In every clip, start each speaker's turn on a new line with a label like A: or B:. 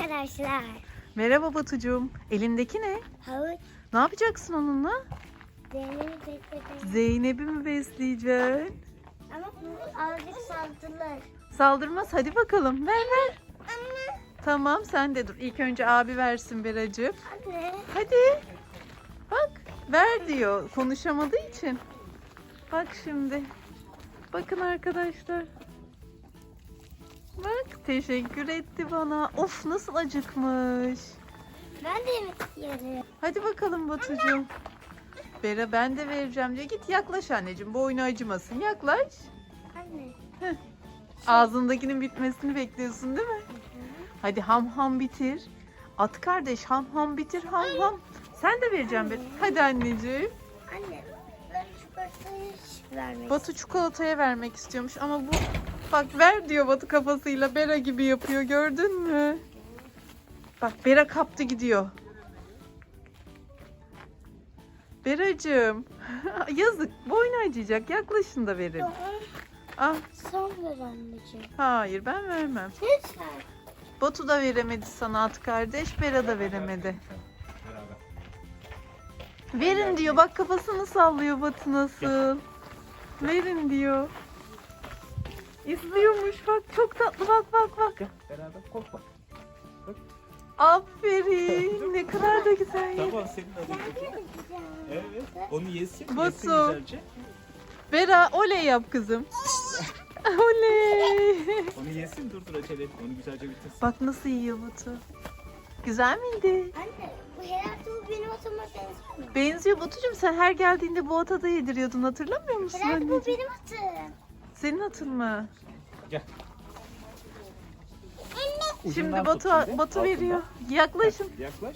A: arkadaşlar.
B: Merhaba Batucuğum. Elindeki ne?
A: Havuç.
B: Ne yapacaksın onunla?
A: Zeynep'i besledim.
B: Zeynep'i mi besleyeceksin?
A: Ama azıcık saldırır.
B: Saldırmaz. Hadi bakalım. Ver ver.
A: Anne.
B: Tamam sen de dur. İlk önce abi versin Beracığım.
A: Anne.
B: Hadi. Bak. Ver diyor. Konuşamadığı için. Bak şimdi. Bakın arkadaşlar. Bak teşekkür etti bana. Of nasıl acıkmış.
A: Ben de yemek istiyorum.
B: Hadi bakalım Batucuğum. Bera ben de vereceğim diyor. Git yaklaş anneciğim. Boynu acımasın. Yaklaş.
A: Anne.
B: Ağzındakinin bitmesini bekliyorsun değil mi? Hadi ham ham bitir. At kardeş ham ham bitir ham ham. Sen de vereceğim bir. Hadi anneciğim.
A: Anne. Ben çikolatayı hiç vermek
B: Batu çikolataya vermek istiyormuş ama bu bak ver diyor Batu kafasıyla Bera gibi yapıyor gördün mü? Bak Bera kaptı gidiyor. Beracığım yazık boynu acıyacak yaklaşın da verin. Ah
A: Son ver anneciğim.
B: hayır ben vermem.
A: Lütfen.
B: Batu da veremedi sana at kardeş Bera da veremedi. Verin diyor bak kafasını sallıyor Batu nasıl. Verin diyor. İstiyormuş bak çok tatlı bak bak bak.
C: Beraber korkma.
B: Aferin ne kadar da güzel yedi.
C: Tamam senin adın. Evet. Onu yesin.
B: Batu.
C: Yesin güzelce.
B: Bera oley yap kızım. Oley.
C: Onu yesin dur acele etme. Onu güzelce bitirsin.
B: Bak nasıl yiyor Batu. Güzel miydi?
A: Anne. Bu herhalde bu benim atama benziyor mu?
B: Benziyor Batucuğum sen her geldiğinde bu ata da yediriyordun hatırlamıyor musun
A: Herhalde bu
B: anneciğim?
A: benim atım.
B: Senin atın mı?
C: Gel.
B: Şimdi
C: Ucundan
B: Batu
C: tut şimdi.
B: Batu
C: Altından.
B: veriyor. Yaklaşın.
C: Yaklaş.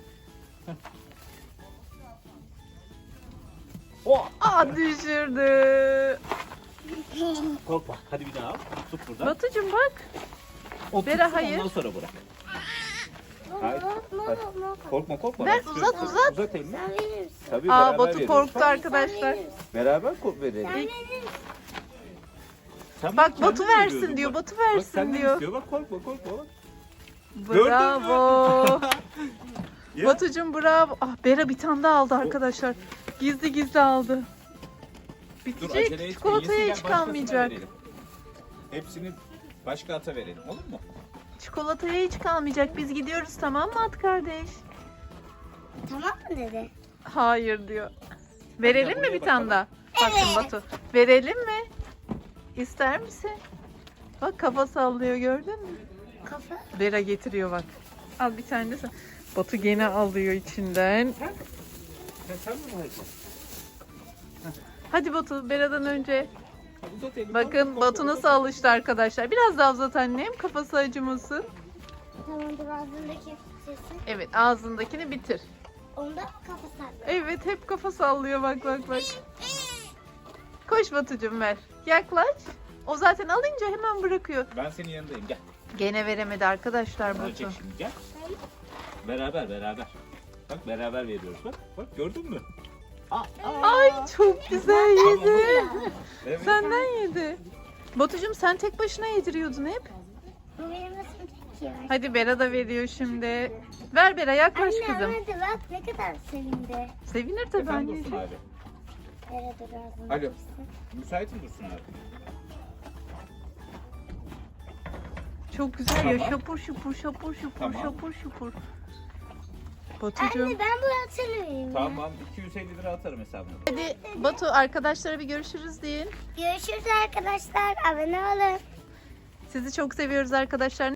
C: Oh!
B: Aa düşürdü.
C: Korkma. Hadi bir daha al. Tut buradan.
B: Batucuğum bak.
C: O
B: Bera,
C: tutsun,
B: hayır.
C: Ondan sonra bırak. Hayır.
B: Ver,
C: Ben
B: uzat,
C: tutuyorum.
B: uzat.
C: Uzat elini.
A: Sen verir misin?
C: Tabii
B: Aa
C: beraber
B: Batu
C: veriyoruz.
B: korktu
C: Bak,
B: arkadaşlar.
C: Beraber verelim.
A: Sen verir misin?
C: Sen
B: Bak
C: kendin
B: Batu versin
C: veriyordun
B: diyor.
C: bak.
B: Batu
C: Bak
B: versin
C: senden
B: diyor.
C: istiyor. Bak korkma korkma. Bak.
B: Bravo.
C: Ya.
B: Batucuğum bravo. Ah Bera bir tane daha aldı arkadaşlar. Gizli gizli aldı.
C: Dur acele
B: Bitecek.
C: etme.
B: Çikolataya
C: Yesin,
B: hiç
C: gel, başkasına
B: kalmayacak.
C: verelim. Hepsini başka ata verelim olur mu?
B: Çikolataya hiç kalmayacak. Biz gidiyoruz tamam mı at kardeş?
A: Tamam mı dedi?
B: Hayır diyor. Verelim mi
C: buraya
B: bir tane
C: bakalım.
B: daha? Bakın Batu. Verelim mi? İster misin? Bak kafa sallıyor gördün mü?
A: Kafa.
B: Bera getiriyor bak. Al bir tane de sen. Batu gene alıyor içinden.
C: Sen mi alacaksın?
B: Hadi Batu Bera'dan önce.
C: Uzat elini.
B: Bakın
C: korkma,
B: Batu
C: korkma.
B: nasıl alıştı arkadaşlar. Biraz daha uzat annem. Kafası acımasın.
A: Tamamdır ağzındaki sesi.
B: Evet ağzındakini bitir.
A: Onda kafa sallıyor.
B: Evet hep kafa sallıyor bak bak bak. Koş Batucuğum ver. Yaklaş. O zaten alınca hemen bırakıyor.
C: Ben senin yanındayım gel.
B: Gene veremedi arkadaşlar
C: Verecek
B: Batu.
C: şimdi gel. Beraber. Bak beraber veriyoruz bak. Bak gördün mü?
B: Ay çok güzel yedi.
C: Evet.
B: Senden yedi. Batucuğum sen tek başına yediriyordun hep.
A: Bu benim nasıl çekiyor?
B: Hadi Bera da veriyor şimdi. Ver Bera yaklaş
A: Anne
B: kızım.
A: hadi bak ne kadar sevindi.
B: Sevinir tabii
C: Efendim Dursun
B: anneciğim.
C: abi.
A: Nerede ağzında?
C: Alo. Müsait mi Dursun abi?
B: Çok güzel ya
C: Tamam.
B: şapur şupur şapur şupur
C: Tamam.
B: şapur şupur. Batucuğum.
A: Anne ben bu hatırlıyorum.
C: Tamam 250 lira atarım hesabına.
B: Hadi Batu arkadaşlara bir görüşürüz deyin.
A: Görüşürüz arkadaşlar. Abone olun.
B: Sizi çok seviyoruz arkadaşlar.